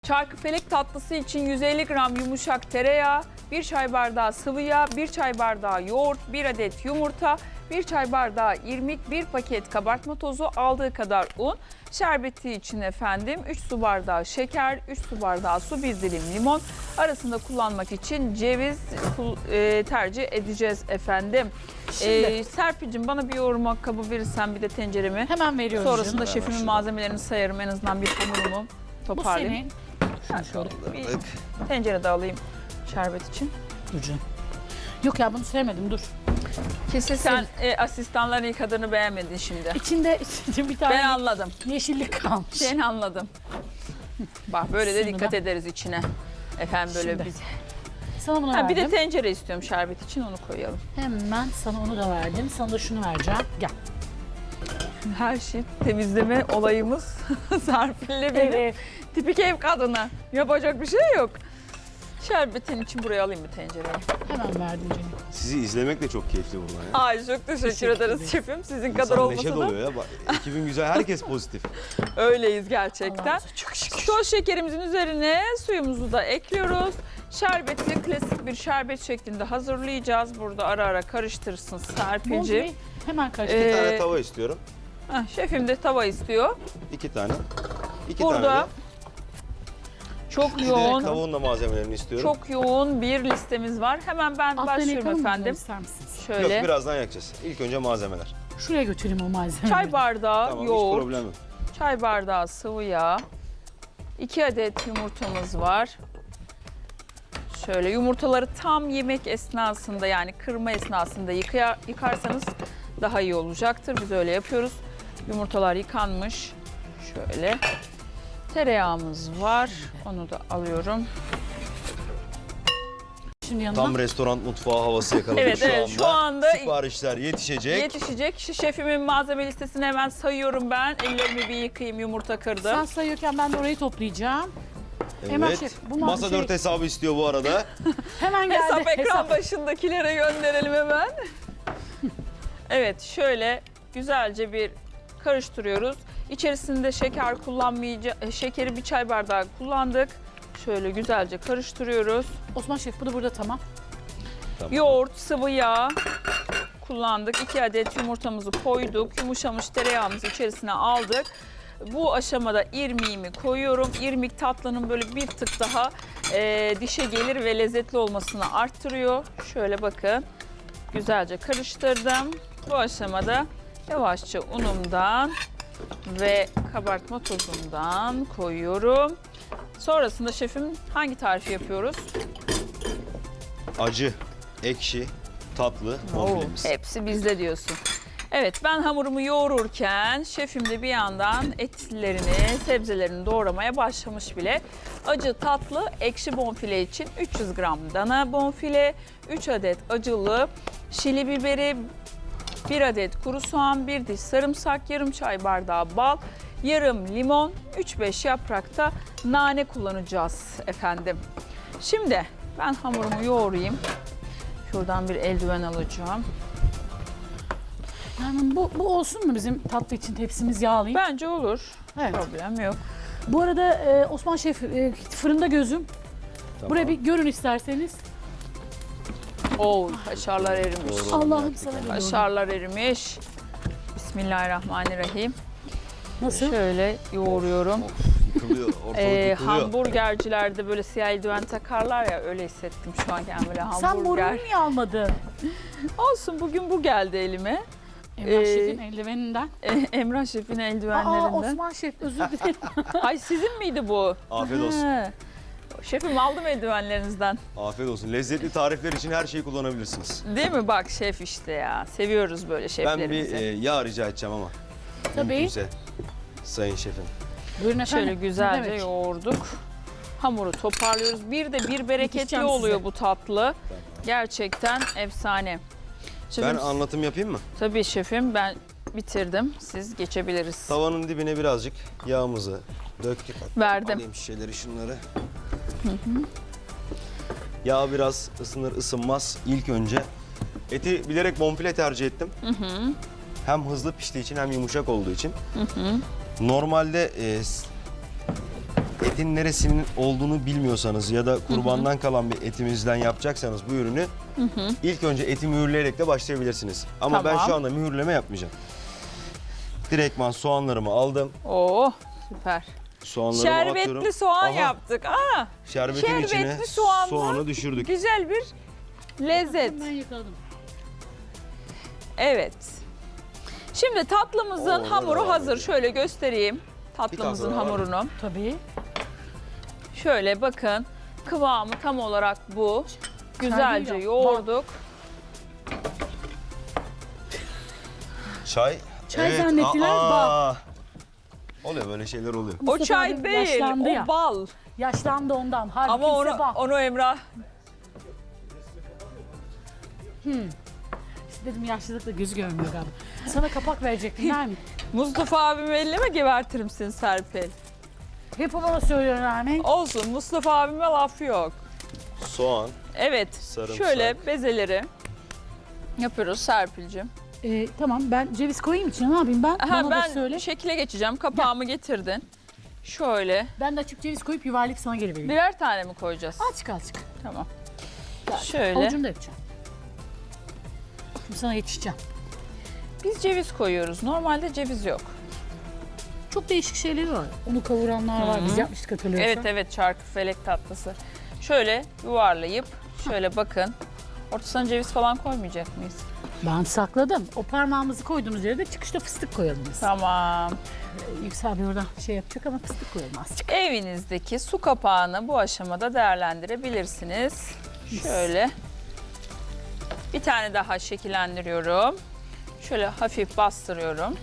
Çarkıfelek tatlısı için 150 gram yumuşak tereyağı, 1 çay bardağı sıvı yağ, 1 çay bardağı yoğurt, 1 adet yumurta, 1 çay bardağı irmik, 1 paket kabartma tozu, aldığı kadar un. Şerbeti için efendim 3 su bardağı şeker, 3 su bardağı su, 1 dilim limon. Arasında kullanmak için ceviz tercih edeceğiz efendim. Serpil'cim bana bir yoğurma kabı verirsen bir de tenceremi. Hemen veriyorum. Sonrasında şefimin malzemelerini sayarım, en azından bir hamurumu Bu toparlayayım. senin. Şunu şöyle Bir tencere de alayım şerbet için. ucu. Yok ya bunu sevmedim dur. Kesin sen asistanların yıkadığını beğenmedin şimdi. İçinde bir tane Ben anladım. yeşillik kalmış. Ben anladım. Bak böyle de Şunu dikkat da. ederiz içine. Efendim böyle Şimdi. biz. Sana bunu Ha, bir verdim. de tencere istiyorum şerbet için, onu koyalım. Hemen sana onu da verdim. Sana da şunu vereceğim. Gel. Her şey temizleme olayımız Serpil'le benim. Evet. Tipik ev kadını. Yapacak bir şey yok. Şerbetin için buraya alayım bir tencereyi. Hemen verdim canım. Sizi izlemek de çok keyifli buradan ya. Ay çok teşekkür ederiz şefim. Sizin kadar İnsan olmasa neşe da doluyor ya. Bak, ekibin güzel, herkes pozitif. öyleyiz gerçekten. Allah'ımıza çok şükür. Toz şekerimizin üzerine suyumuzu da ekliyoruz. Şerbeti klasik bir şerbet şeklinde hazırlayacağız. Burada ara ara karıştırsın Serpil'ciğim. Boncuğu hemen karıştır. Bir tane tava istiyorum. Şefim de tava istiyor. 2 tane. 2 Burada tane de. çok Bir de yoğun, tavuğun da malzemelerini istiyorum. çok yoğun bir listemiz var. Hemen ben Altlarını başlıyorum yakalım mı bunları, efendim. ister misiniz? Şöyle Yok, birazdan yakacağız. İlk önce malzemeler. Şuraya götüreyim o malzemeleri. çay bardağı Tamam, hiç yoğurt, problem yok. çay bardağı sıvı yağ, 2 adet yumurtamız var. Şöyle yumurtaları tam yemek esnasında, yani kırma esnasında yıkarsanız daha iyi olacaktır. Biz öyle yapıyoruz. Yumurtalar yıkanmış. Şöyle. Tereyağımız var. Onu da alıyorum. Şimdi yanına. Tam restoran mutfağı havası yakaladık Evet, evet, şu anda siparişler yetişecek. yetişecek. Şefimin malzeme listesini hemen sayıyorum ben. Ellerimi bir yıkayayım, yumurta kırdım. Sen sayıyorken ben de orayı toplayacağım. Hemen Evet. şef, bu Masa şey- 4 hesabı istiyor bu arada. Hemen geldi. Hesap ekran başındakilere gönderelim hemen. Evet, şöyle güzelce bir karıştırıyoruz. İçerisinde şeker şekeri bir çay bardağı kullandık. Şöyle güzelce karıştırıyoruz. Osman şef bu da burada tamam. Tamam. Yoğurt, sıvı yağ kullandık. 2 adet yumurtamızı koyduk. Yumuşamış tereyağımızı içerisine aldık. Bu aşamada irmiğimi koyuyorum. İrmik tatlının böyle bir tık daha dişe gelir ve lezzetli olmasını arttırıyor. Şöyle bakın. Güzelce karıştırdım. Bu aşamada yavaşça unumdan ve kabartma tozundan koyuyorum. Sonrasında şefim hangi tarifi yapıyoruz? Acı, ekşi, tatlı bonfilemiz. Hepsi bizde diyorsun. Evet, ben hamurumu yoğururken şefim de bir yandan etlerini, sebzelerini doğramaya başlamış bile. Acı, tatlı, ekşi bonfile için 300 gram dana bonfile, 3 adet acılı şili biberi, 1 adet kuru soğan, 1 diş sarımsak, yarım çay bardağı bal, yarım limon, 3-5 yaprakta nane kullanacağız efendim. Şimdi ben hamurumu yoğurayım. Şuradan bir eldiven alacağım. Yani bu olsun mu bizim tatlı için tepsimiz yağlayayım? Bence olur. Evet. Problem yok. Bu arada Osman şef fırında gözüm. Tamam. Buraya bir görün isterseniz. Oo, kaşarlar erimiş. Doğru. Allah'ım sana biliyorum. Kaşarlar erimiş. Bismillahirrahmanirrahim. Nasıl? Şöyle yoğuruyorum. Yıkılıyor, ortalık yıkılıyor. Hamburgercilerde böyle siyah eldiven takarlar ya, öyle hissettim şu an kendimi, böyle Sen morunu hamburger. niye almadın? Olsun, bugün bu geldi elime. Emrah şefin eldiveninden. Emrah Şef'in Aa eldivenlerinden. Osman şef özür dilerim. Ay, sizin miydi bu? Afiyet olsun. He. Şefim, aldım eldivenlerinizden. Afiyet olsun. Lezzetli tarifler için her şeyi kullanabilirsiniz. Değil mi? Bak şef işte ya. Seviyoruz böyle Ben şeflerimizi. bir yağ rica edeceğim ama. Tabii. Mümkünse. Sayın şefim. Buyurun efendim. Şöyle güzelce Ne demek? yoğurduk. Hamuru toparlıyoruz. Bir de bir bereketli Yetişeceğim oluyor size. bu tatlı. Gerçekten efsane. Şefim, Ben anlatım yapayım mı? tabii şefim, ben bitirdim. Siz geçebiliriz. Tavanın dibine birazcık yağımızı döktük. Verdim. Alayım şişeleri, şunları. Yağ biraz ısınır ısınmaz ilk önce. Eti bilerek bonfile tercih ettim. Hem hızlı piştiği için hem yumuşak olduğu için. Normalde etin neresinin olduğunu bilmiyorsanız ya da kurbandan kalan bir etimizden yapacaksanız bu ürünü ilk önce eti mühürleyerek de başlayabilirsiniz. Ama ben Tamam. şu anda mühürleme yapmayacağım. Direktman soğanlarımı aldım. Oo, süper. Soğanlarımı atıyorum. Şerbetli soğan Aha, yaptık. Aa, Şerbetin içine şerbetli soğanlı soğanı düşürdük. güzel bir lezzet. Ben yakaladım. Evet. Şimdi tatlımızın Oo, hamuru devam hazır. ediyor. Şöyle göstereyim tatlımızın tane daha var mı? hamurunu. Tabii. Şöyle bakın, kıvamı tam olarak bu. Güzelce Çay değil ya. yoğurduk. Çay. Çay zannettiler, bak. Oluyor, böyle şeyler oluyor. O Mustafa çay abi değil, yaşlandı o ya. bal. Yaşlandı ondan. Halbuki Ama onu, bak. onu Emrah Dedim yaşlılıkla gözü görmüyor galiba. Sana kapak verecektim Nermin. Mustafa abimi elleme gebertirim seni Serpil. Hep o bana söylüyor Nermin. Olsun, Mustafa abime laf yok. Soğan. Evet, Sarımsak. şöyle bezeleri yapıyoruz Serpil'cim. Tamam ben ceviz koyayım içine ne yapayım ben? Bana da Ben söyle. şekile geçeceğim. Kapağımı getirdin. Şöyle. Ben de açıp ceviz koyup yuvarlayıp sana geri vereyim. Birer tane mi koyacağız? Azıcık. Tamam. Şöyle. Avucunu da yapacağım. Şimdi sana yetişeceğim. Biz ceviz koyuyoruz. Normalde ceviz yok. Çok değişik şeyleri var. Onu kavuranlar var. Biz yapmıştık hatırlıyorsan. Evet evet, çarkıfelek tatlısı. Şöyle yuvarlayıp şöyle bakın. Ortasına ceviz falan koymayacak mıyız? Ben sakladım. O parmağımızı koyduğumuz yere de çıkışta fıstık koyalım biz. Tamam. Yüksel Bey oradan şey yapacak ama fıstık koyalım azıcık. Evinizdeki su kapağını bu aşamada değerlendirebilirsiniz. Şöyle. Bir tane daha şekillendiriyorum. Şöyle hafif bastırıyorum.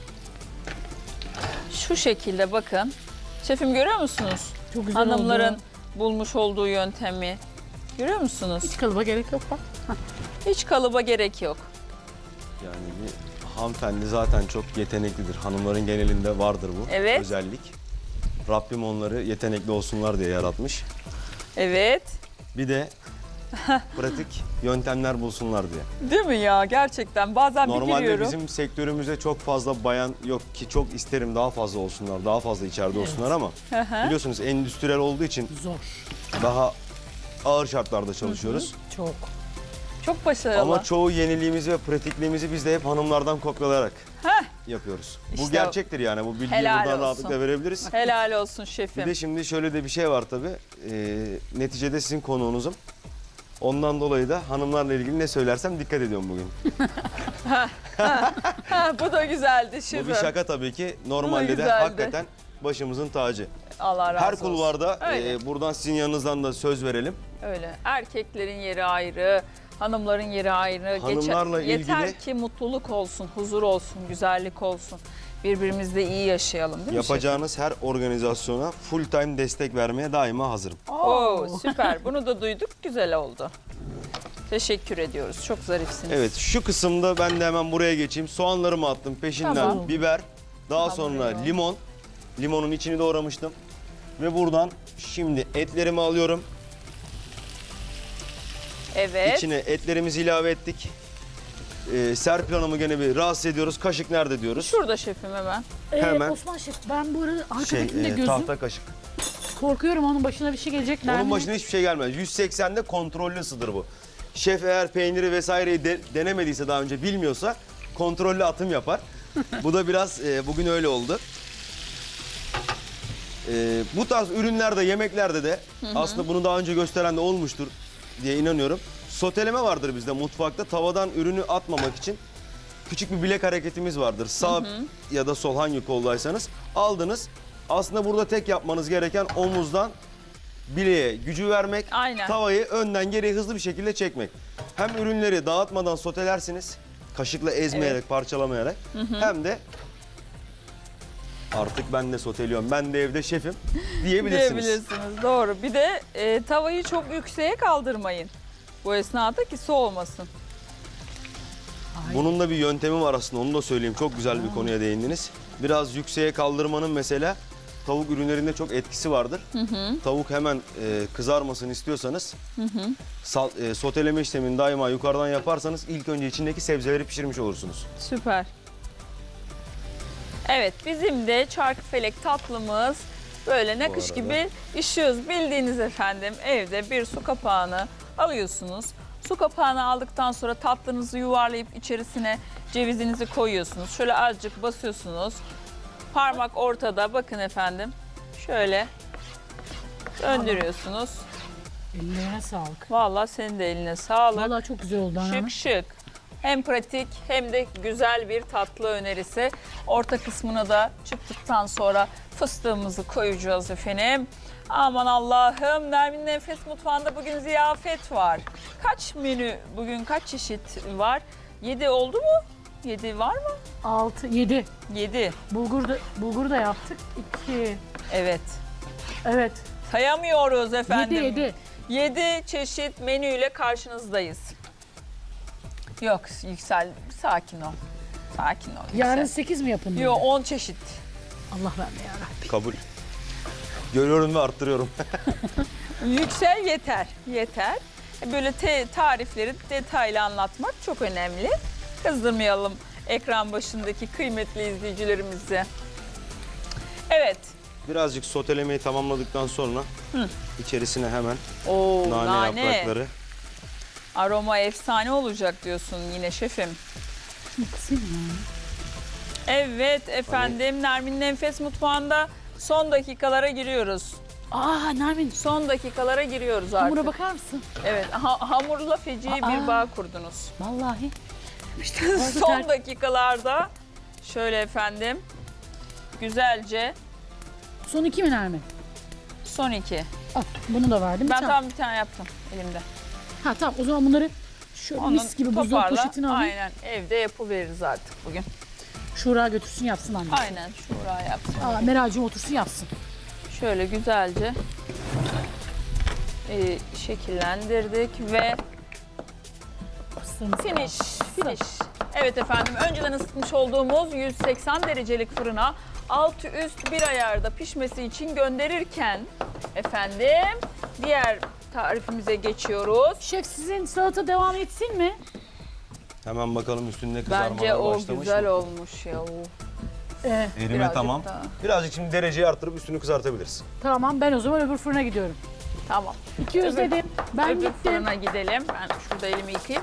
Şu şekilde bakın. Şefim görüyor musunuz? Çok güzel Hanımların oldu. bulmuş olduğu yöntemi. Görüyor musunuz? Hiç kalıba gerek yok bak. Hiç kalıba gerek yok. Yani bir hanımefendi zaten çok yeteneklidir. Hanımların genelinde vardır bu Evet. özellik. Rabbim onları yetenekli olsunlar diye yaratmış. Evet. Bir de pratik yöntemler bulsunlar diye. Değil mi ya? Gerçekten bazen bir Normalde giriyorum. bizim sektörümüzde çok fazla bayan yok ki, çok isterim daha fazla olsunlar, daha fazla içeride olsunlar ama biliyorsunuz endüstriyel olduğu için Zor. daha ağır şartlarda çalışıyoruz. Çok. Çok başarılı. Ama çoğu yeniliğimizi ve pratikliğimizi biz de hep hanımlardan kopyalayarak Heh, yapıyoruz. İşte Bu gerçektir yani, bu bilgiyi helal buradan olsun. rahatlıkla verebiliriz. helal olsun Bir şefim. de şimdi şöyle de bir şey var tabii. Neticede sizin konuğunuzum. Ondan dolayı da hanımlarla ilgili ne söylersem dikkat ediyorum bugün. Ha, bu da güzeldi şefim. Bu bir şaka tabii ki. Normalde de güzeldi. hakikaten başımızın tacı. Allah razı Her olsun. kulvarda Öyle. buradan sizin yanınızdan da söz verelim. Öyle. Erkeklerin yeri ayrı, hanımların yeri ayrı. Hanımlarla Yeter ilgili- ki mutluluk olsun, huzur olsun, güzellik olsun. Birbirimizle iyi yaşayalım değil mi Yapacağınız her organizasyona full time destek vermeye daima hazırım. şefim? Oo, süper. Bunu da duyduk. Güzel oldu. Teşekkür ediyoruz. Çok zarifsiniz. Evet, şu kısımda ben de hemen buraya geçeyim. Soğanlarımı attım, peşinden Tamam. biber, daha Tamam, sonra eyvallah. limon. Limonun içini doğramıştım. Ve buradan şimdi etlerimi alıyorum. Evet. İçine etlerimizi ilave ettik. Serpil Hanım'ı gene bir rahatsız ediyoruz. Kaşık nerede diyoruz? Şurada şefim hemen. Hemen. Osman Şef ben bu arada arkadakinde gözüm tahta kaşık. korkuyorum onun başına bir şey gelecek. Onun Nermin. başına hiçbir şey gelmez. 180'de kontrollü ısıdır bu. Şef eğer peyniri vesaireyi denemediyse, daha önce bilmiyorsa kontrollü atım yapar. Bu da biraz bugün öyle oldu. Bu tarz ürünlerde, yemeklerde de aslında bunu daha önce gösteren de olmuştur diye inanıyorum. Soteleme vardır bizde mutfakta. Tavadan ürünü atmamak için küçük bir bilek hareketimiz vardır. Sağ ya da sol, hangi koldaysanız aldınız. Aslında burada tek yapmanız gereken omuzdan bileğe gücü vermek, Aynen. tavayı önden geriye hızlı bir şekilde çekmek. Hem ürünleri dağıtmadan sotelersiniz, kaşıkla ezmeyerek, parçalamayarak, hem de artık ben de soteliyorum, ben de evde şefim diyebilirsiniz. Diyebilirsiniz. Doğru. Bir de tavayı çok yükseğe kaldırmayın. Bu esnada ki soğumasın. Bunun da bir yöntemi var aslında, onu da söyleyeyim. Çok güzel bir konuya değindiniz. Biraz yükseğe kaldırmanın mesela tavuk ürünlerinde çok etkisi vardır. Tavuk hemen kızarmasını istiyorsanız soteleme işlemini daima yukarıdan yaparsanız ilk önce içindeki sebzeleri pişirmiş olursunuz. Süper. Evet, bizim de çarkıfelek tatlımız Böyle nakış arada. gibi işiyoruz. Bildiğiniz efendim evde bir su kapağını alıyorsunuz. Su kapağını aldıktan sonra tatlınızı yuvarlayıp içerisine cevizinizi koyuyorsunuz. Şöyle azıcık basıyorsunuz. Parmak ortada, bakın efendim. Şöyle döndürüyorsunuz. Ellerine sağlık. Vallahi senin de eline sağlık. Vallahi çok güzel oldu anne. Şık şık. Hem pratik hem de güzel bir tatlı önerisi. Orta kısmına da çıktıktan sonra fıstığımızı koyacağız efendim. Aman Allah'ım, Nermin'in Enfes Mutfağı'nda bugün ziyafet var. Kaç menü, bugün kaç çeşit var? 7 oldu mu? 7 var mı? 6, 7. 7. Bulgur da yaptık. 2. Evet. Evet. Sayamıyoruz efendim. 7. 7 çeşit menüyle karşınızdayız. Yok Yüksel, sakin ol. Sakin ol. Yüksel. Yarın 8 mi yapın? Yok 10 çeşit. Allah verme yarabbim. Kabul. Görüyorum ve arttırıyorum. Yüksel yeter. Yeter. Böyle tarifleri detaylı anlatmak çok önemli. Kızdırmayalım ekran başındaki kıymetli izleyicilerimizi. Evet. Birazcık sotelemeyi tamamladıktan sonra içerisine hemen Oo, nane yaprakları. Aroma efsane olacak diyorsun yine şefim. Şunu kısayım mı? Evet efendim, Nermin'in Enfes Mutfağı'nda son dakikalara giriyoruz. Aa Nermin. Son dakikalara giriyoruz artık. Hamura bakar mısın? Evet, hamurla feci bir Aa. bağ kurdunuz. Vallahi. Son dakikalarda şöyle efendim, güzelce Son 2 mi Nermin? son 2. Al bunu da verdim. Ben Tamam. tam bir tane yaptım elimde. Ha tamam o zaman bunları şöyle mis gibi buzdolabı toparla. poşetine alayım. Aynen, evde yapıveririz artık bugün. Şura götürsün yapsın anne. Aynen, şura yaptım. Aa, Meral'cığım otursun yapsın. Şöyle güzelce şekillendirdik ve finish. Evet efendim, önceden ısıtmış olduğumuz 180 derecelik fırına altı üst bir ayarda pişmesi için gönderirken efendim diğer tarifimize geçiyoruz. Şef sizin salata devam etsin mi? Hemen bakalım üstünde kızarmalar Bence o başlamış güzel mı? olmuş ya. Erime Birazcık tamam. daha. Birazcık şimdi dereceyi arttırıp üstünü kızartabiliriz. Tamam ben o zaman öbür fırına gidiyorum. Tamam. 200 Öbür- dedim. Ben Öbür gittim. fırına gidelim. Ben şurada elimi yıkayayım.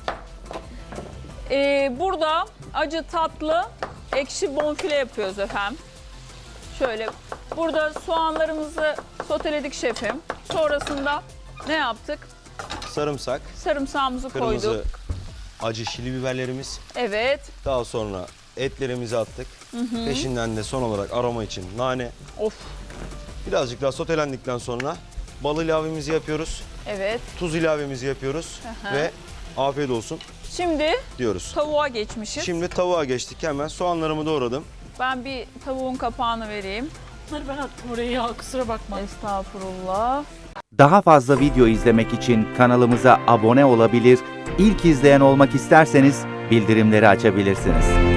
Burada acı tatlı ekşi bonfile yapıyoruz efendim. Şöyle burada soğanlarımızı soteledik şefim. Sonrasında ne yaptık? Sarımsak, Sarımsağımızı kırmızı koyduk. acı şili biberlerimiz. Evet. Daha sonra etlerimizi attık. Peşinden de son olarak aroma için nane. Of. Birazcık daha sotelendikten sonra bal ilavemizi yapıyoruz. Evet. Tuz ilavemizi yapıyoruz. Aha. Ve afiyet olsun Şimdi diyoruz. tavuğa geçmişiz. Şimdi tavuğa geçtik hemen. Soğanlarımı doğradım. Ben bir tavuğun kapağını vereyim. Bunları ben attım oraya ya kusura bakma. Estağfurullah. Daha fazla video izlemek için kanalımıza abone olabilir, ilk izleyen olmak isterseniz bildirimleri açabilirsiniz.